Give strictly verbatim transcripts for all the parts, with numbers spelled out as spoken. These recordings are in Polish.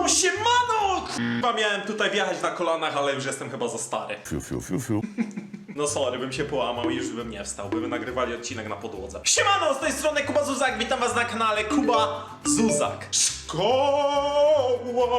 No siemano! Chyba miałem tutaj wjechać na kolanach, ale już jestem chyba za stary. Fiu, fiu, fiu, fiu. No sorry, bym się połamał i już bym nie wstał, by nagrywali odcinek na podłodze. Siemano, z tej strony Kuba Zuzak, witam was na kanale Kuba Zuzak. Szkoła!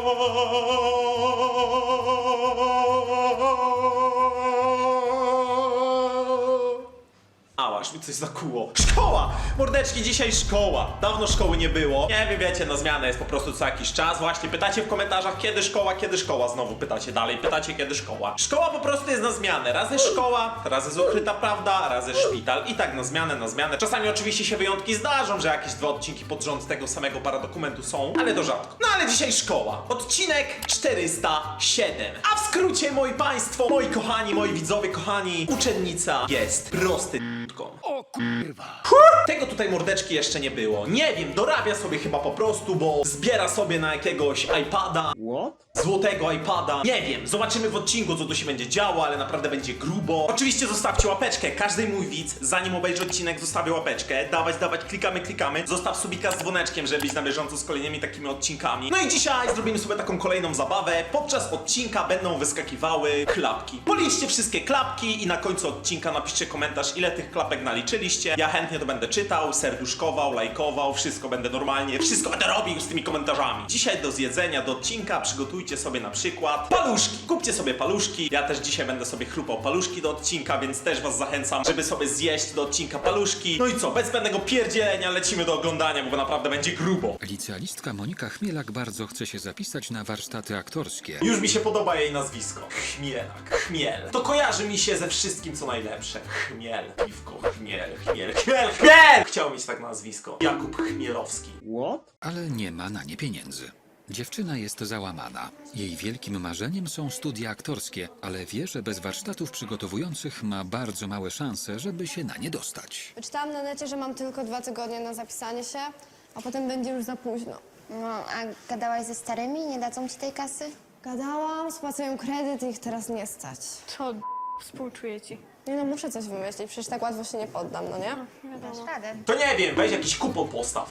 Aż mi coś zakuło. Szkoła! Mordeczki, dzisiaj szkoła. Dawno szkoły nie było. Nie wiem, wiecie, na zmianę jest po prostu co jakiś czas. Właśnie pytacie w komentarzach, kiedy szkoła, kiedy szkoła. Znowu pytacie dalej, pytacie, kiedy szkoła. Szkoła po prostu jest na zmianę. Raz jest szkoła, raz jest ukryta prawda, raz jest szpital. I tak na zmianę, na zmianę. Czasami oczywiście się wyjątki zdarzą, że jakieś dwa odcinki pod rząd tego samego paradokumentu są, ale to rzadko. No ale dzisiaj szkoła. Odcinek czterysta siedem. A w skrócie, moi państwo, moi kochani, moi widzowie, kochani, uczennica jest prosty. O kurwa. Tego tutaj mordeczki jeszcze nie było. Nie wiem, dorabia sobie chyba po prostu, bo zbiera sobie na jakiegoś iPada. What? Złotego iPada. Nie wiem, zobaczymy w odcinku, co tu się będzie działo, ale naprawdę będzie grubo. Oczywiście zostawcie łapeczkę. Każdy mój widz, zanim obejrzy odcinek, zostawię łapeczkę. Dawać, dawać, klikamy, klikamy. Zostaw subika z dzwoneczkiem, żeby być na bieżąco z kolejnymi takimi odcinkami. No i dzisiaj zrobimy sobie taką kolejną zabawę. Podczas odcinka będą wyskakiwały klapki. Policzcie wszystkie klapki i na końcu odcinka napiszcie komentarz, ile tych klapek naliczyliście. Ja chętnie to będę czytał, serduszkował, lajkował, wszystko będę normalnie, wszystko będę robił z tymi komentarzami. Dzisiaj do zjedzenia, do odcinka przygotujcie sobie na przykład paluszki. Kupcie sobie paluszki. Ja też dzisiaj będę sobie chrupał paluszki do odcinka, więc też was zachęcam, żeby sobie zjeść do odcinka paluszki. No i co, bez zbędnego pierdzielenia lecimy do oglądania, bo naprawdę będzie grubo. Licealistka Monika Chmielak bardzo chce się zapisać na warsztaty aktorskie. Już mi się podoba jej nazwisko. Chmielak, chmiel. To kojarzy mi się ze wszystkim, co najlepsze. Chmiel, piwko, chmiel, chmiel, chmiel, chmiel! Chciał mieć tak nazwisko. Jakub Chmielowski. What? Ale nie ma na nie pieniędzy. Dziewczyna jest załamana. Jej wielkim marzeniem są studia aktorskie, ale wie, że bez warsztatów przygotowujących ma bardzo małe szanse, żeby się na nie dostać. Wyczytałam na necie, że mam tylko dwa tygodnie na zapisanie się, a potem będzie już za późno. No, a gadałaś ze starymi? Nie dadzą ci tej kasy? Gadałam, spłacają kredyt i ich teraz nie stać. Co d- współczuję ci. Nie no, muszę coś wymyślić, przecież tak łatwo się nie poddam, no nie? Dasz radę. To nie wiem, weź jakiś kupon postaw.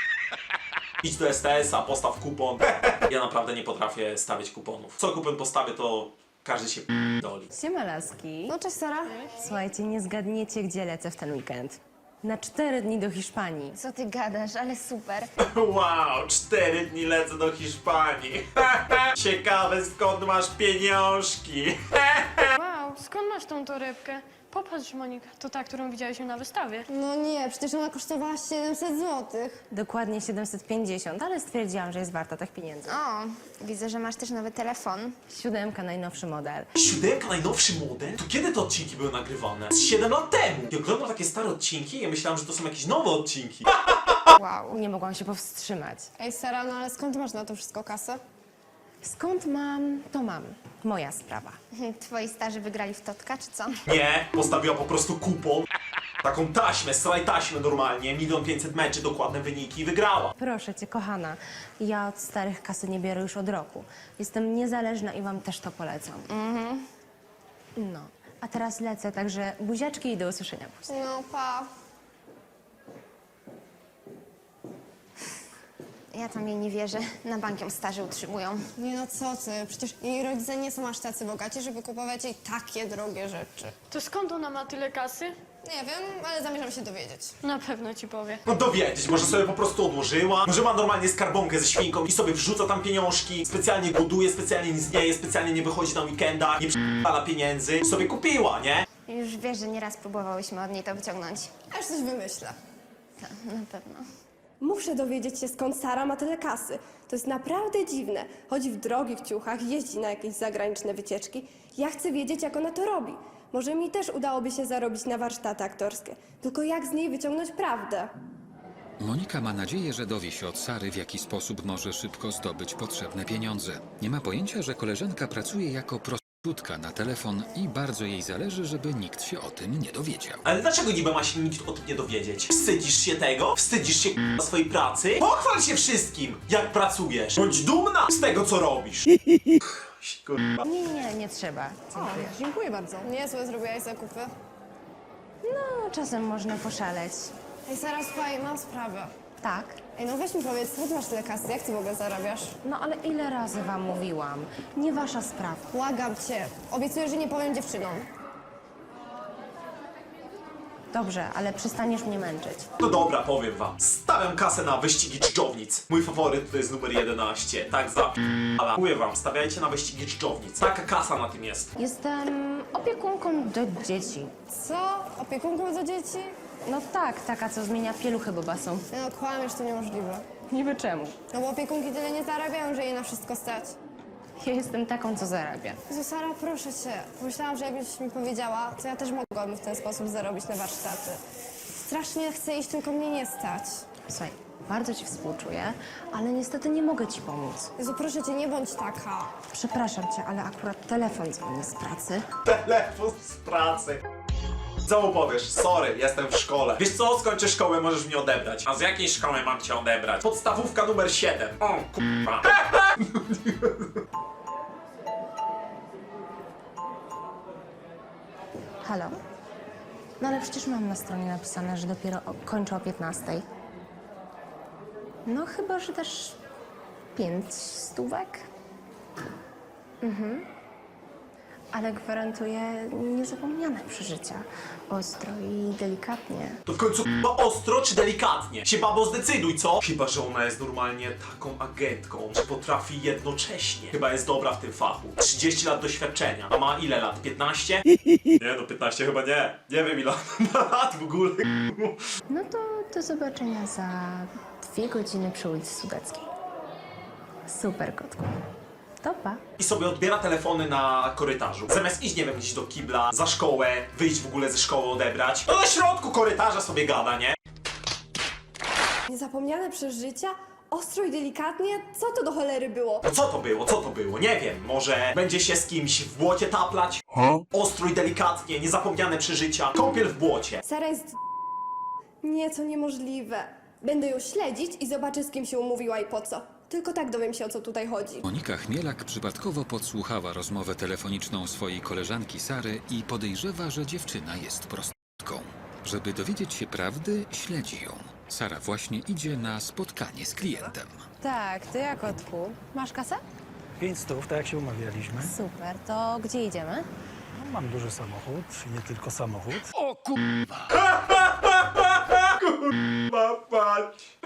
Idź do S T S-a, postaw kupon. Ja naprawdę nie potrafię stawiać kuponów. Co kupon postawię, to każdy się doli. Siema laski. No cześć Sara. Słuchajcie, nie zgadniecie, gdzie lecę w ten weekend. Na cztery dni do Hiszpanii. Co ty gadasz, ale super. Wow, cztery dni lecę do Hiszpanii. Ciekawe, skąd masz pieniążki. Wow, skąd masz tą torebkę? Popatrz, Monika, to ta, którą widziałyśmy na wystawie. No nie, przecież ona kosztowała siedemset złotych. Dokładnie siedemset pięćdziesiąt, ale stwierdziłam, że jest warta tych pieniędzy. O, widzę, że masz też nowy telefon. Siódemka, najnowszy model. Siódemka, najnowszy model? To kiedy te odcinki były nagrywane? Z siedem lat temu. Ja oglądam takie stare odcinki i ja myślałem, że to są jakieś nowe odcinki. Wow. Nie mogłam się powstrzymać. Ej Sara, no ale skąd masz na to wszystko kasę? Skąd mam, to mam. Moja sprawa. Twoi starzy wygrali w Totka, czy co? Nie, postawiła po prostu kupon. Taką taśmę, straj taśmę normalnie, milion pięćset meczy, dokładne wyniki i wygrała. Proszę cię, kochana, ja od starych kasy nie biorę już od roku. Jestem niezależna i wam też to polecam. Mhm. No, a teraz lecę, także buziaczki i do usłyszenia później. No pa. Ja tam jej nie wierzę. Na bank ją starzy utrzymują. Nie no co ty, przecież jej rodzice nie są aż tacy bogaci, żeby kupować jej takie drogie rzeczy. To skąd ona ma tyle kasy? Nie wiem, ale zamierzam się dowiedzieć. Na pewno ci powie. No dowiedzieć, może sobie po prostu odłożyła, może ma normalnie skarbonkę ze świnką i sobie wrzuca tam pieniążki, specjalnie goduje, specjalnie nic nie je, specjalnie nie wychodzi na weekenda, nie przypala pieniędzy, sobie kupiła, nie? Już wiesz, że nieraz próbowałyśmy od niej to wyciągnąć. Aż coś wymyślę. Tak, na pewno. Muszę dowiedzieć się, skąd Sara ma tyle kasy. To jest naprawdę dziwne. Chodzi w drogich ciuchach, jeździ na jakieś zagraniczne wycieczki. Ja chcę wiedzieć, jak ona to robi. Może mi też udałoby się zarobić na warsztaty aktorskie. Tylko jak z niej wyciągnąć prawdę? Monika ma nadzieję, że dowie się od Sary, w jaki sposób może szybko zdobyć potrzebne pieniądze. Nie ma pojęcia, że koleżanka pracuje jako prostytutka na telefon i bardzo jej zależy, żeby nikt się o tym nie dowiedział. Ale dlaczego niby ma się nikt o tym nie dowiedzieć? Wstydzisz się tego? Wstydzisz się k***a swojej pracy? Pochwal się wszystkim, jak pracujesz. Bądź dumna z tego, co robisz. Kurwa. Nie, nie, nie trzeba. Dziękuję. Dziękuję bardzo. Niezłe zrobiłaś zakupy. No, czasem można poszaleć. Ej Sara, słuchaj, mam sprawę. Tak? Ej, no weź mi powiedz, skąd masz tyle kasy? Jak ty w ogóle zarabiasz? No ale ile razy wam mówiłam? Nie wasza sprawa. Błagam cię. Obiecuję, że nie powiem dziewczynom. Dobrze, ale przestaniesz mnie męczyć. No dobra, powiem wam. Stawiam kasę na wyścigi dżdżownic. Mój faworyt to jest numer jedenaście. Tak za ale mówię wam, stawiajcie na wyścigi dżdżownic. Taka kasa na tym jest. Jestem opiekunką do dzieci. Co? Opiekunką za dzieci? No tak, taka, co zmienia pieluchy bobasą. No kłamiesz, to niemożliwe. Niby czemu? No bo opiekunki tyle nie zarabiają, że jej na wszystko stać. Ja jestem taką, co zarabia. Jezu, Sara, proszę cię. Pomyślałam, że jakbyś mi powiedziała, to ja też mogłabym w ten sposób zarobić na warsztaty. Strasznie chcę iść, tylko mnie nie stać. Słuchaj, bardzo ci współczuję, ale niestety nie mogę ci pomóc. Jezu, proszę cię, nie bądź taka. Przepraszam cię, ale akurat telefon dzwoni z pracy. Telefon z pracy. Co mu powiesz? Sorry, jestem w szkole. Wiesz co? Skończę szkołę, możesz mnie odebrać. A z jakiej szkoły mam cię odebrać? Podstawówka numer siedem. O, kurwa. Halo? No ale przecież mam na stronie napisane, że dopiero o, kończę o piętnastej. No chyba, że też pięć stówek. Mhm. Ale gwarantuję niezapomniane przeżycia. Ostro i delikatnie. To w końcu chyba ostro czy delikatnie? Się babo zdecyduj, co? Chyba, że ona jest normalnie taką agentką, że potrafi jednocześnie. Chyba jest dobra w tym fachu. trzydzieści lat doświadczenia. A ma ile lat? piętnaście? Nie no, piętnaście chyba nie. Nie wiem ile ma lat w ogóle. No to do zobaczenia za dwie godziny przy ulicy Sudeckiej. Super, kotku. To pa. I sobie odbiera telefony na korytarzu. Zamiast iść, nie wiem, iść do kibla, za szkołę, wyjść w ogóle ze szkoły, odebrać. To na środku korytarza sobie gada, nie? Niezapomniane przeżycia? Ostro i delikatnie? Co to do cholery było? No co to było? Co to było? Nie wiem. Może będzie się z kimś w błocie taplać? Huh? Ostro i delikatnie, niezapomniane przeżycia. Kąpiel w błocie. Sara jest... Nie, to niemożliwe. Będę ją śledzić i zobaczę, z kim się umówiła i po co. Tylko tak dowiem się, o co tutaj chodzi. Monika Chmielak przypadkowo podsłuchała rozmowę telefoniczną swojej koleżanki Sary i podejrzewa, że dziewczyna jest prostytutką. Żeby dowiedzieć się prawdy, śledzi ją. Sara właśnie idzie na spotkanie z klientem. Tak, ty jak, kotku? Masz kasę? Pięć stów, tak jak się umawialiśmy. Super, to gdzie idziemy? No, mam duży samochód, nie tylko samochód. Mapać.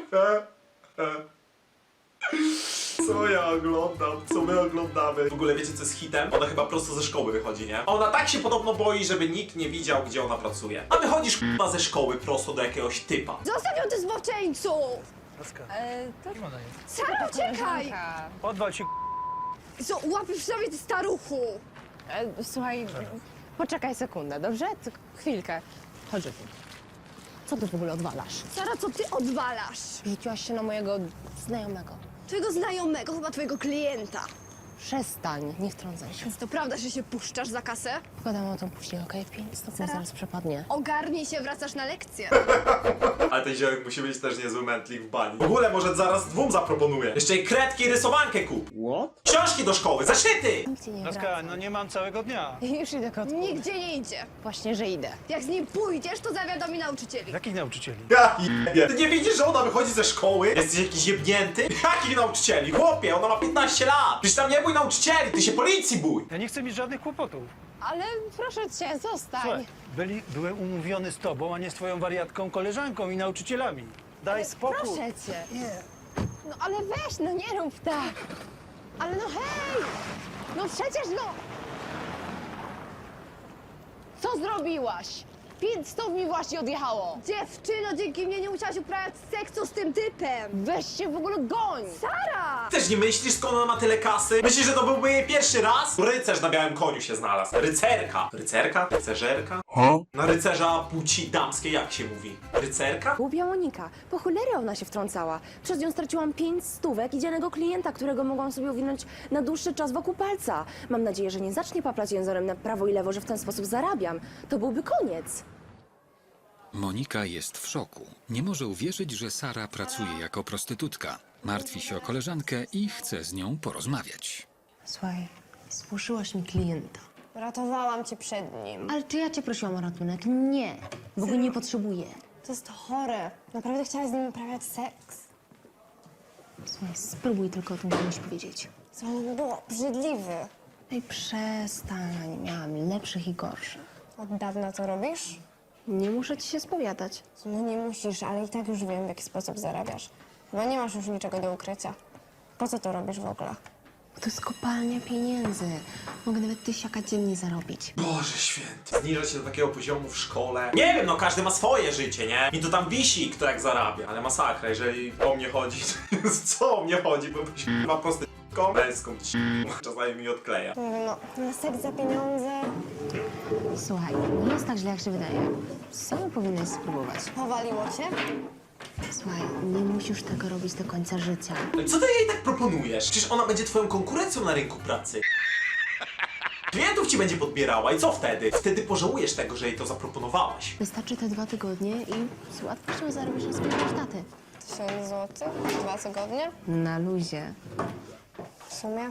Co ja oglądam? Co my oglądamy? W ogóle wiecie co jest hitem? Ona chyba prosto ze szkoły wychodzi, nie? Ona tak się podobno boi, żeby nikt nie widział, gdzie ona pracuje. A wychodzisz k***a ze szkoły prosto do jakiegoś typa. Zostaw ją, ty zboczeńcu! Laska, E, to nie ma na nic. Sara, uciekaj! Odwal się, Co, łapisz sobie, ty staruchu! E, słuchaj, poczekaj sekundę, dobrze? Tylko chwilkę. Chodź tu. Co ty w ogóle odwalasz? Sara, co ty odwalasz? Rzuciłaś się na mojego znajomego. Twojego znajomego, chyba twojego klienta. Przestań, nie wtrącaj się. Więc to prawda, że się puszczasz za kasę? Pogadamy o tym później, okej? Pięć stopni Sara? zaraz przepadnie. Ogarnij się, wracasz na lekcję. Ale ten ziomek musi być też niezły mętlik w bani. W ogóle może zaraz dwóm zaproponuję. Jeszcze i kredki i rysowankę kup. What? Książki do szkoły, zeszyty! Nikt ci nie Laska, wraca. no nie mam całego dnia. Już idę, kotku. Nigdzie nie idzie. Właśnie, że idę. Jak z nim pójdziesz, to zawiadomi nauczycieli. Jakich nauczycieli? Ja jebie. Ty nie widzisz, że ona wychodzi ze szkoły? Jesteś jakiś jebnięty? Jakich nauczycieli? Chłopie, ona ma piętnaście lat. Przecież tam nie bój nauczycieli, ty się policji bój. Ja nie chcę mieć żadnych kłopotów. Ale proszę cię, zostań. Słuchaj, byli, byłem umówiony z tobą, a nie z twoją wariatką koleżanką i nauczycielami. Daj spokój. Proszę cię. Nie. No ale weź, no nie rób tak. Ale no hej! No przecież no... Co zrobiłaś? Pięć stów mi właśnie odjechało. Dziewczyno, dzięki mnie nie musiałaś uprawiać seksu z tym typem. Weź się w ogóle goń. Sara! Też nie myślisz, skąd ona ma tyle kasy? Myślisz, że to byłby jej pierwszy raz? Rycerz na białym koniu się znalazł. Rycerka. Rycerka? Rycerzerka? Huh? Na rycerza płci damskiej jak się mówi? Rycerka? Głupia Monika, po cholery ona się wtrącała. Przez nią straciłam pięć stówek i dzielnego klienta, którego mogłam sobie owinąć na dłuższy czas wokół palca. Mam nadzieję, że nie zacznie paplać jęzorem na prawo i lewo, że w ten sposób zarabiam. To byłby koniec. Monika jest w szoku. Nie może uwierzyć, że Sara pracuje jako prostytutka. Martwi się o koleżankę i chce z nią porozmawiać. Słuchaj, spłoszyłaś mi klienta. Ratowałam cię przed nim. Ale czy ja cię prosiłam o ratunek? Nie, bo go nie potrzebuję. To jest chore. Naprawdę chciałaś z nim uprawiać seks? Słuchaj, spróbuj tylko o tym komuś powiedzieć. Co on było? Brzydliwy. Ej, przestań. Miałam lepszych i gorszych. Od dawna to robisz? Nie muszę ci się spowiadać. No nie musisz, ale i tak już wiem, w jaki sposób zarabiasz. Chyba nie masz już niczego do ukrycia. Po co to robisz w ogóle? To jest kopalnia pieniędzy. Mogę nawet tysiaka dziennie zarobić. Boże święty. Zniżać się do takiego poziomu w szkole. Nie wiem, no każdy ma swoje życie, nie? Mi to tam wisi, kto jak zarabia. Ale masakra, jeżeli o mnie chodzi, co o mnie chodzi, bo chyba prosty męską czasami mi odkleja. Nie wiem, no, na seks za pieniądze. Słuchaj, nie jest tak źle, jak się wydaje. Sam powinnaś spróbować. Powaliło cię? Słuchaj, nie musisz tego robić do końca życia. Co ty jej tak proponujesz? Przecież ona będzie twoją konkurencją na rynku pracy. Klientów ci będzie podbierała i co wtedy? Wtedy pożałujesz tego, że jej to zaproponowałaś. Wystarczy te dwa tygodnie i z łatwością zarobisz na swoje warsztaty. Tysiąc złotych? Dwa tygodnie? Na luzie. W sumie?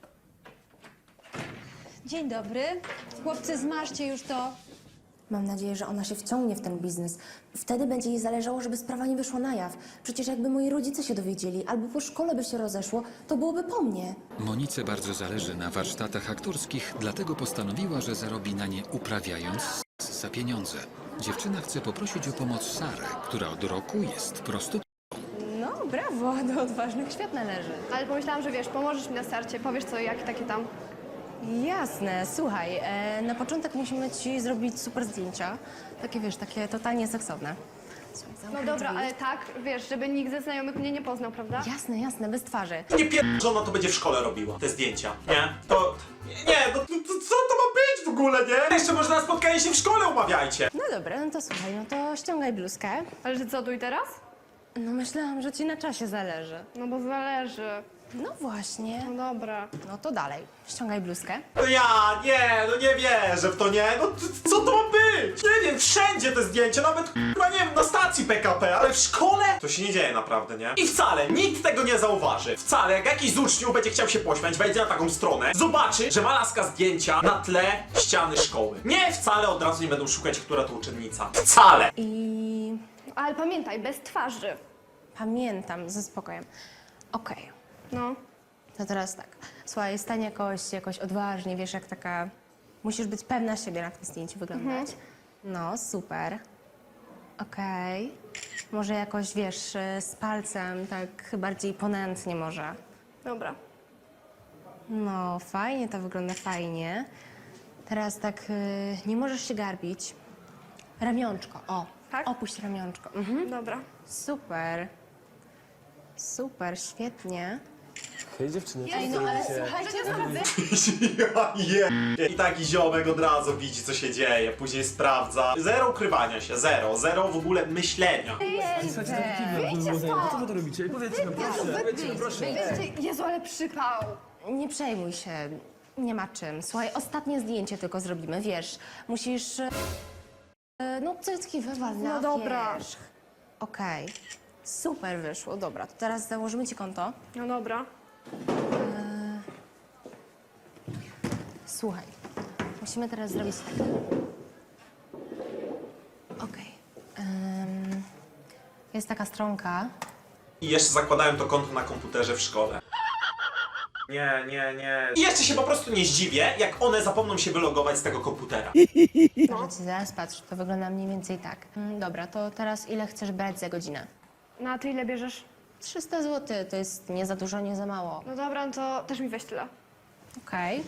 Dzień dobry. Chłopcy, zmarzcie już to. Mam nadzieję, że ona się wciągnie w ten biznes. Wtedy będzie jej zależało, żeby sprawa nie wyszła na jaw. Przecież jakby moi rodzice się dowiedzieli, albo po szkole by się rozeszło, to byłoby po mnie. Monice bardzo zależy na warsztatach aktorskich, dlatego postanowiła, że zarobi na nie uprawiając seks za pieniądze. Dziewczyna chce poprosić o pomoc Sarę, która od roku jest prostytutką. No, brawo, do odważnych świat należy. Ale pomyślałam, że wiesz, pomożesz mi na starcie, powiesz co, jak takie tam. Jasne, słuchaj, e, na początek musimy ci zrobić super zdjęcia. Takie, wiesz, takie totalnie seksowne. Słuchaj, No zamknij dobra, drzwi. ale tak, wiesz, żeby nikt ze znajomych mnie nie poznał, prawda? Jasne, jasne, bez twarzy. Nie pier... że ona to będzie w szkole robiła, te zdjęcia. Nie? To... Nie, no to, to, co to ma być w ogóle, nie? Jeszcze może na spotkanie się w szkole umawiajcie. No dobra, no to słuchaj, no to ściągaj bluzkę. Ale że co, tu i teraz? No myślałam, że ci na czasie zależy. No bo zależy. No właśnie. No dobra. No to dalej, ściągaj bluzkę. No ja, nie, no nie wierzę w to, nie? No t- co to ma być? Nie wiem, wszędzie te zdjęcia, nawet chyba nie wiem, na stacji P K P, ale w szkole? To się nie dzieje naprawdę, nie? I wcale, nikt tego nie zauważy. Wcale, jak jakiś z uczniów będzie chciał się pośmiać, wejdzie na taką stronę, zobaczy, że ma laska zdjęcia na tle ściany szkoły. Nie, wcale od razu nie będą szukać, która to uczennica. Wcale! I Ale pamiętaj, bez twarzy. pamiętam, ze spokojem. Okej, No. to teraz tak. Słuchaj, stań jakoś, jakoś odważnie, wiesz, jak taka... Musisz być pewna siebie na tym zdjęciu wyglądać. No, super. Okej. Może jakoś, wiesz, y, z palcem, tak bardziej ponętnie może. Dobra. No, fajnie to wygląda, fajnie. Teraz tak, y, nie możesz się garbić. Ramionczko, o. Tak? Opuść ramionczko. Mhm. Dobra. Super. Super, świetnie. Hej dziewczyny, Ej, no ale słuchajcie, Ja je. I taki ziomek od razu widzi, co się dzieje, później sprawdza. Zero ukrywania się, zero, zero w ogóle myślenia. co wy to robicie? Powiedzcie nam, proszę, powiedzcie nam, proszę. Jezu, ale przypał. Nie przejmuj się, nie ma czym. Słuchaj, ostatnie zdjęcie tylko zrobimy, wiesz. Musisz... e, No, cycki wywal na No dobra. wierzch. Okej. Super wyszło, dobra. To teraz założymy ci konto. No dobra. Słuchaj, musimy teraz zrobić tak. Okej. Em, jest taka stronka. I jeszcze zakładają to konto na komputerze w szkole. Nie, nie, nie. I jeszcze się po prostu nie zdziwię, jak one zapomną się wylogować z tego komputera. Może ci zaraz patrz, to wygląda mniej więcej tak. Mm, dobra, to teraz ile chcesz brać za godzinę? No a ty ile bierzesz? trzysta złotych, to jest nie za dużo, nie za mało. No dobra, no to też mi weź tyle. Okej.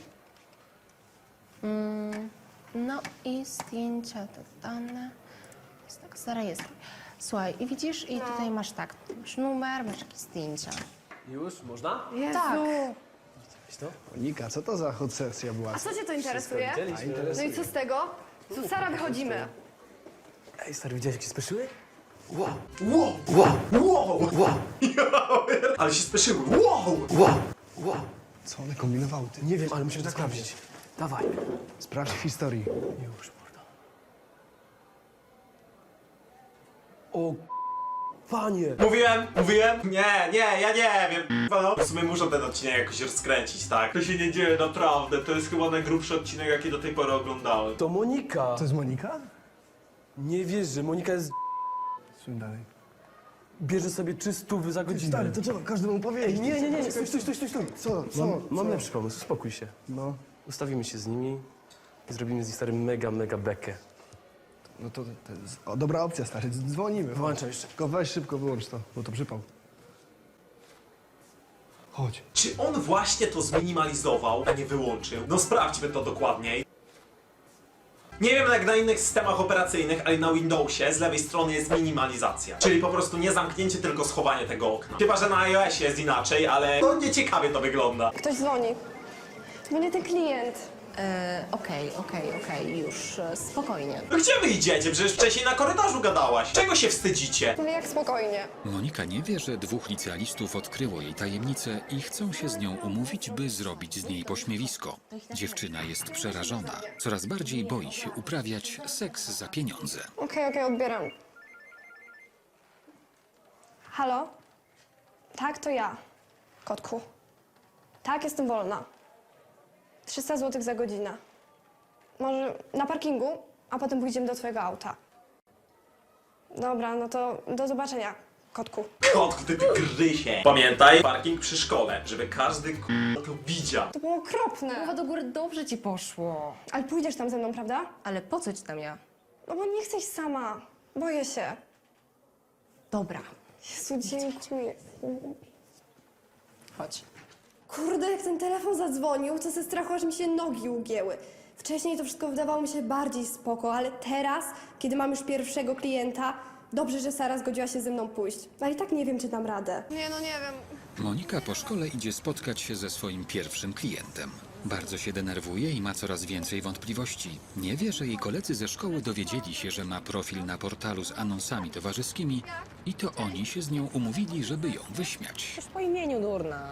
Mm, no i zdjęcia to dane. Jest tak, zarejestruj. Słuchaj, i widzisz, i tutaj masz tak, masz numer, masz jakieś zdjęcia. Już, można? Jezu. Tak. Weź to. Monika, co to za obsesja była? A co cię to interesuje? Widzieliśmy. No i co z tego? Tu Sara, wychodzimy. Ej stary, widziałeś jak się spieszyły? Wow, wow, wow, wow, wow. Ale się spieszyły. Wow, Wow, wow. Co one kombinowały? Ty? Nie wiem, ale musimy tak sprawdzić. Dawaj. Sprawdź w historii. Już, mordo. O, panie! Mówiłem, mówiłem. Nie, nie, ja nie wiem. No, w sumie muszę ten odcinek jakoś rozkręcić, tak? To się nie dzieje naprawdę. To jest chyba najgrubszy odcinek, jaki do tej pory oglądałem. To Monika! To jest Monika? Nie wiesz, że Monika jest... Słuchaj dalej. bierze trzy stówy za godzinę. Stary, to co, każdemu powiedzieć? Nie, nie, nie, stój, stój, stój, stój, stój. Co, co? Mam, mam co? lepszy pomysł, uspokój się. No, Ustawimy się z nimi i zrobimy z nich stary mega, mega bekę. no to, to jest o, dobra opcja, stary, dzwonimy. Włączam jeszcze. Tylko weź szybko, wyłącz to, bo to przypał. Chodź. Czy on właśnie to zminimalizował, a nie wyłączył? No sprawdźmy to dokładniej. Nie wiem jak na innych systemach operacyjnych, ale na Windowsie z lewej strony jest minimalizacja. Czyli po prostu nie zamknięcie, tylko schowanie tego okna. Chyba, że na iOSie jest inaczej, ale no nieciekawie to wygląda. Ktoś dzwoni. Dzwoni ten klient. E, Okej, okej, okej, już e, spokojnie. No gdzie wy idziecie? Przecież wcześniej na korytarzu gadałaś. Czego się wstydzicie? No jak spokojnie. Monika nie wie, że dwóch licealistów odkryło jej tajemnicę i chcą się z nią umówić, by zrobić z niej pośmiewisko. Dziewczyna jest przerażona. Coraz bardziej boi się uprawiać seks za pieniądze. Okej, okej, odbieram. Halo? Tak, to ja. Kotku. Tak, jestem wolna. trzysta złotych za godzinę. Może na parkingu, a potem pójdziemy do twojego auta. Dobra, no to do zobaczenia, kotku. Kotku, ty, ty gryzie. Pamiętaj, parking przy szkole, żeby każdy k***a to widział. To było okropne. Głowa do góry, dobrze ci poszło. Ale pójdziesz tam ze mną, prawda? Ale po co ci tam ja? No bo nie chcę iść sama. Boję się. Dobra, Jezu, dziękuję. chodź. Kurde, jak ten telefon zadzwonił, to ze strachu aż mi się nogi ugięły. Wcześniej to wszystko wydawało mi się bardziej spoko, ale teraz, kiedy mam już pierwszego klienta, dobrze, że Sara zgodziła się ze mną pójść. Ale i tak nie wiem, czy dam radę. Nie, no nie wiem. Monika po szkole idzie spotkać się ze swoim pierwszym klientem. Bardzo się denerwuje i ma coraz więcej wątpliwości. Nie wie, że jej koledzy ze szkoły dowiedzieli się, że ma profil na portalu z anonsami towarzyskimi i to oni się z nią umówili, żeby ją wyśmiać. Już po imieniu, durna.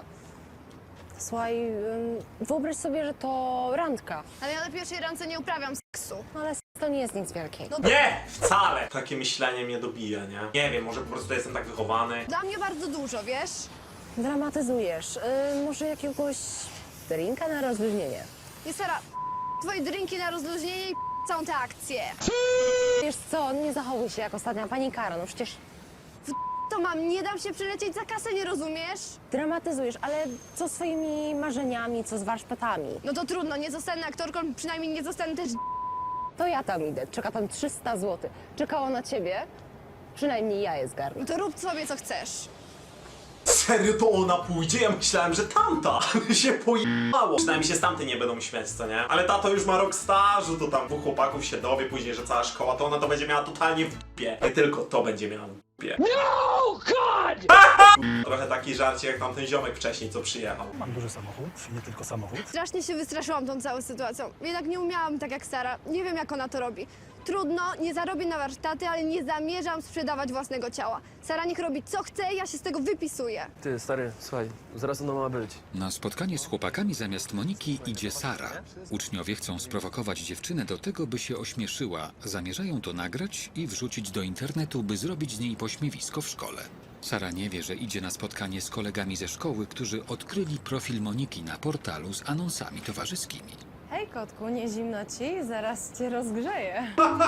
Słuchaj, ym, wyobraź sobie, że to randka. Ale ja na pierwszej randce nie uprawiam seksu. No ale to nie jest nic wielkiego. Nie, wcale. Takie myślenie mnie dobija, nie? Nie wiem, może po prostu jestem tak wychowany. Dla mnie bardzo dużo, wiesz? Dramatyzujesz. Yy, może jakiegoś drinka na rozluźnienie. Nie, Sara, twoje drinki na rozluźnienie i całą tę akcję. Wiesz co, nie zachowuj się jak ostatnia pani Kara, no przecież To mam, nie dam się przylecieć za kasę, nie rozumiesz? dramatyzujesz, ale co z swoimi marzeniami, co z warsztatami? No to trudno, nie zostanę aktorką, przynajmniej nie zostanę też To ja tam idę, czeka tam trzysta złotych. Czekało na ciebie, przynajmniej ja je zgarnę. No to rób sobie co chcesz. Serio to ona pójdzie? Ja myślałem, że tamta się pojebało. Przynajmniej się z tamtej nie będą śmiać, co nie? Ale tato już ma rok stażu, to tam dwóch chłopaków się dowie później, że cała szkoła, to ona to będzie miała totalnie w dupie. Nie tylko to będzie miała w dupie. No, God! Trochę taki żarcie jak tamten ziomek wcześniej, co przyjechał. Mam duży samochód, nie tylko samochód. Strasznie się wystraszyłam tą całą sytuacją. Jednak nie umiałam tak jak Sara. Nie wiem, jak ona to robi. Trudno, nie zarobię na warsztaty, ale nie zamierzam sprzedawać własnego ciała. Sara niech robi co chce, ja się z tego wypisuję. Ty, stary, słuchaj, zaraz ona ma być. Na spotkanie z chłopakami zamiast Moniki idzie Sara. Uczniowie chcą sprowokować dziewczynę do tego, by się ośmieszyła. Zamierzają to nagrać i wrzucić do internetu, by zrobić z niej pośmiewisko w szkole. Sara nie wie, że idzie na spotkanie z kolegami ze szkoły, którzy odkryli profil Moniki na portalu z anonsami towarzyskimi. Hej kotku, nie zimno ci? Zaraz cię rozgrzeję.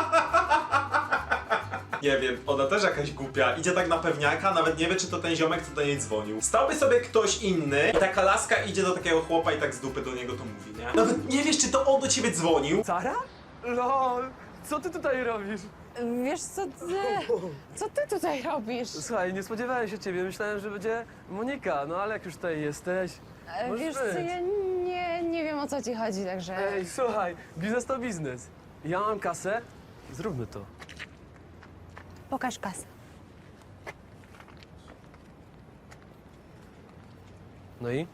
Nie wiem, ona też jakaś głupia. Idzie tak na pewniaka, nawet nie wie, czy to ten ziomek, co do niej dzwonił. Stałby sobie ktoś inny i taka laska idzie do takiego chłopa i tak z dupy do niego to mówi, nie? Nawet nie wiesz, czy to on do ciebie dzwonił. Sara? Lol, co ty tutaj robisz? Wiesz co ty, co ty tutaj robisz? Słuchaj, nie spodziewałem się ciebie, myślałem, że będzie Monika, no ale jak już tutaj jesteś, E, możesz Wiesz co, być. ja nie, nie wiem o co ci chodzi, także... Ej, słuchaj, biznes to biznes. Ja mam kasę, zróbmy to. Pokaż kasę. No i?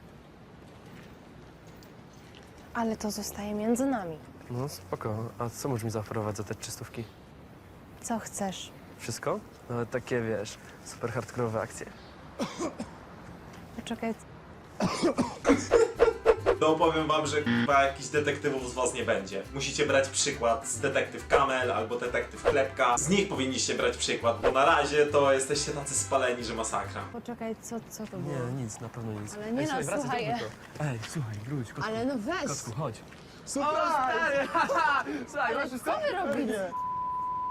Ale to zostaje między nami. No spoko, a co możesz mi zaoferować za te trzystówki? Co chcesz? Wszystko? Nawet takie, wiesz, super hardkorowe akcje. Poczekaj, To powiem wam, że chyba jakichś detektywów z was nie będzie. Musicie brać przykład z detektyw Kamel albo detektyw Klepka. Z nich powinniście brać przykład, bo na razie to jesteście tacy spaleni, że masakra. Poczekaj, co, co to było? Nie, nic, na pewno nic. Ale nie Ej, no, słuchaj, wracaj, słuchaj. zróbmy to. Ej, słuchaj, wróć, kotku. Ale no weź! Kotku, chodź. Super, stary! Słuchaj, Ale masz wszystko? co wy robicie?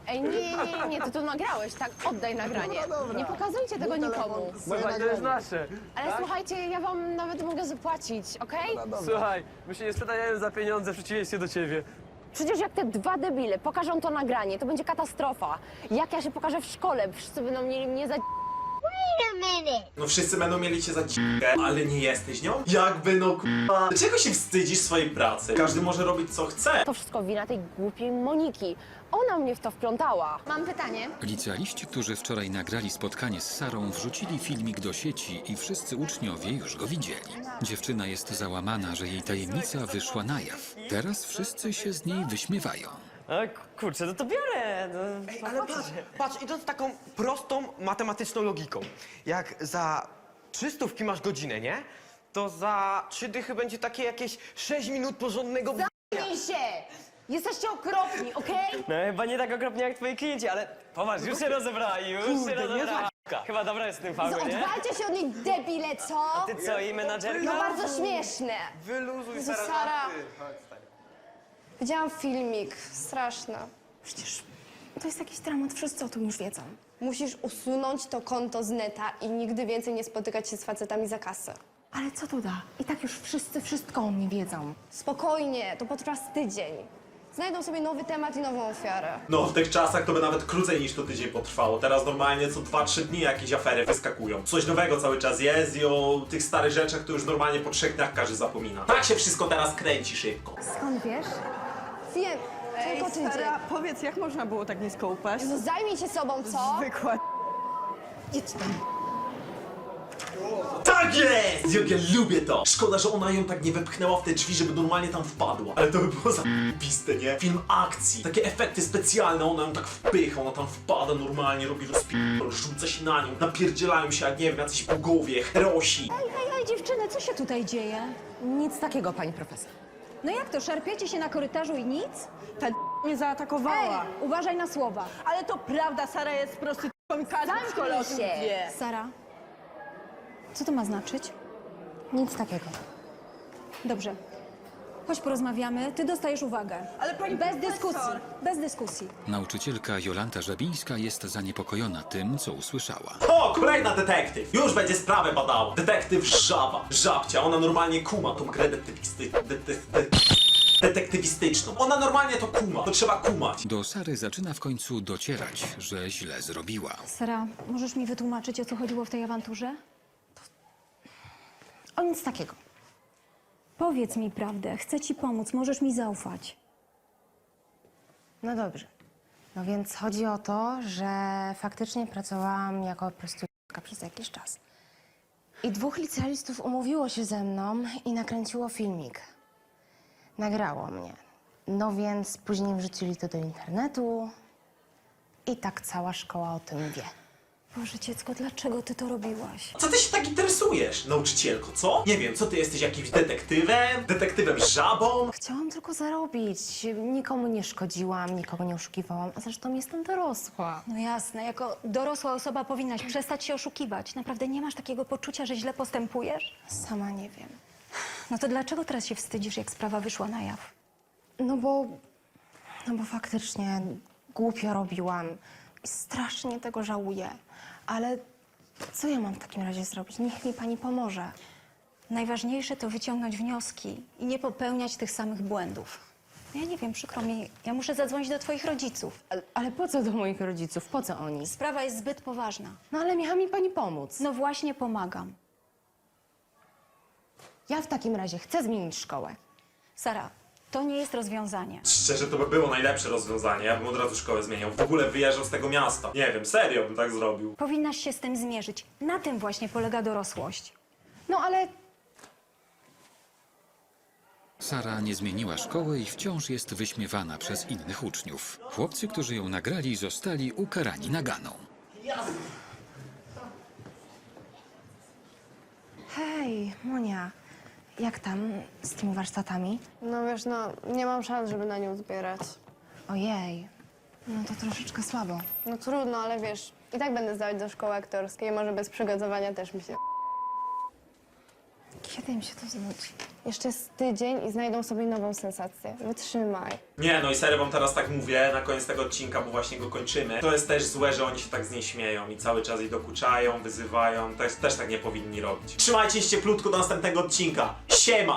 Ej, nie, nie, nie, nie, ty to nagrałeś, tak? Oddaj nagranie. Nie pokazujcie tego nikomu. Słuchaj, to jest nasze. Ale słuchajcie, ja wam nawet mogę zapłacić, okej? Słuchaj, my się nie sprzedajemy za pieniądze, w przeciwieństwie do ciebie. Przecież jak te dwa debile pokażą to nagranie, to będzie katastrofa. Jak ja się pokażę w szkole, wszyscy będą mieli mnie za... No wszyscy będą mieli cię za dzikę, ale nie jesteś nią? Jakby no k***a. Dlaczego się wstydzisz swojej pracy? Każdy może robić co chce. To wszystko wina tej głupiej Moniki. Ona mnie w to wplątała. Mam pytanie. Licealiści, którzy wczoraj nagrali spotkanie z Sarą, wrzucili filmik do sieci i wszyscy uczniowie już go widzieli. Dziewczyna jest załamana, że jej tajemnica wyszła na jaw. Teraz wszyscy się z niej wyśmiewają. A kurczę, no to biorę. No, Ale patrz, patrz, idąc taką prostą matematyczną logiką. Jak za trzy stówki masz godzinę, nie? To za trzy dychy będzie takie jakieś sześć minut porządnego b... Zamknij się! Jesteście okropni, okej? no chyba nie tak okropnie jak twoi klienci, ale popatrz, już się rozebrała, już Kurde, się rozebrała. niezła Chyba dobra jest w tym faulu, nie? Odwalcie się od niej, debile, co? Ty co, i menadżerka? No bardzo śmieszne. Wyluzuj, Jezu, Sara. Sara. żarty. Chodź, stary. Widziałam filmik, straszne. Przecież to jest jakiś dramat, wszyscy o tym już wiedzą. Musisz usunąć to konto z neta i nigdy więcej nie spotykać się z facetami za kasę. Ale co to da? I tak już wszyscy wszystko o mnie wiedzą. Spokojnie, to potrwa z tydzień. Znajdą sobie nowy temat i nową ofiarę. No w tych czasach to by nawet krócej niż to tydzień potrwało. Teraz normalnie co dwa trzy dni jakieś afery wyskakują. Coś nowego cały czas jest i o tych starych rzeczach to już normalnie po trzech dniach każdy zapomina. Tak się wszystko teraz kręci szybko. Skąd wiesz? Wiem, tylko tydzień. powiedz, jak można było tak nisko upaść? No zajmij się sobą, co? Zwykła. Idź tam. Tak jest! Jak ja lubię to! Szkoda, że ona ją tak nie wepchnęła w te drzwi, żeby normalnie tam wpadła. Ale to by było zajebiste, nie? Film akcji, takie efekty specjalne, ona ją tak wpycha, ona tam wpada normalnie, robi rozpierdol, rzuca się na nią, napierdzielają się jak nie wiem, jacyś bogowie, herosi. Ej, ej, dziewczyny, co się tutaj dzieje? Nic takiego, pani profesor. No jak to, szarpiecie się na korytarzu i nic? Ta mnie zaatakowała. Ej, uważaj na słowa. Ale to prawda, Sara jest prostytutką i każdy w szkole o tym wie. Sara, Co to ma znaczyć? nic takiego. Dobrze. Chodź porozmawiamy, ty dostajesz uwagę. Ale pani Bez dyskusji, bez dyskusji. Nauczycielka Jolanta Żabińska jest zaniepokojona tym, co usłyszała. O, kolejna detektyw! Już będzie sprawę badała. Detektyw Żaba. Żabcia, ona normalnie kuma tą grę detektywisty... detek- de- detektywistyczną. Ona normalnie to kuma, to trzeba kumać. Do Sary zaczyna w końcu docierać, że źle zrobiła. Sara, możesz mi wytłumaczyć, o co chodziło w tej awanturze? O nic takiego. Powiedz mi prawdę, chcę ci pomóc, możesz mi zaufać. No dobrze. No więc chodzi o to, że faktycznie pracowałam jako prostytutka przez jakiś czas. I dwóch licealistów umówiło się ze mną i nakręciło filmik. Nagrało mnie. No więc później wrzucili to do internetu i tak cała szkoła o tym wie. Boże, dziecko, dlaczego ty to robiłaś? Co ty się tak interesujesz, nauczycielko, co? Nie wiem, co ty jesteś jakimś detektywem? Detektywem żabą? Chciałam tylko zarobić. Nikomu nie szkodziłam, nikogo nie oszukiwałam, a zresztą jestem dorosła. No jasne, jako dorosła osoba powinnaś przestać się oszukiwać. Naprawdę nie masz takiego poczucia, że źle postępujesz? Sama nie wiem. No to dlaczego teraz się wstydzisz, jak sprawa wyszła na jaw? No bo... No bo faktycznie głupio robiłam i strasznie tego żałuję. Ale co ja mam w takim razie zrobić? Niech mi pani pomoże. Najważniejsze to wyciągnąć wnioski i nie popełniać tych samych błędów. Ja nie wiem, przykro mi, ja muszę zadzwonić do twoich rodziców. Ale, ale po co do moich rodziców? Po co oni? Sprawa jest zbyt poważna. No ale miała mi pani pomóc. No właśnie pomagam. Ja w takim razie chcę zmienić szkołę. Sara, to nie jest rozwiązanie. Szczerze, to by było najlepsze rozwiązanie. Ja bym od razu szkołę zmieniał. W ogóle wyjeżdżał z tego miasta. Nie wiem, serio bym tak zrobił. Powinnaś się z tym zmierzyć. Na tym właśnie polega dorosłość. No ale Sara nie zmieniła szkoły i wciąż jest wyśmiewana przez innych uczniów. Chłopcy, którzy ją nagrali, zostali ukarani naganą. hej, Monia, jak tam z tymi warsztatami? No wiesz, no nie mam szans, żeby na nią zbierać. Ojej, no to troszeczkę słabo. No trudno, ale wiesz, i tak będę zdawać do szkoły aktorskiej, może bez przygotowania też mi się... Kiedy im się to znudzi? Jeszcze jest tydzień i znajdą sobie nową sensację. Wytrzymaj. Nie, no i serio wam teraz tak mówię na koniec tego odcinka, bo właśnie go kończymy. To jest też złe, że oni się tak z niej śmieją i cały czas jej dokuczają, wyzywają. To jest, też tak nie powinni robić. Trzymajcie się cieplutko do następnego odcinka. Siema!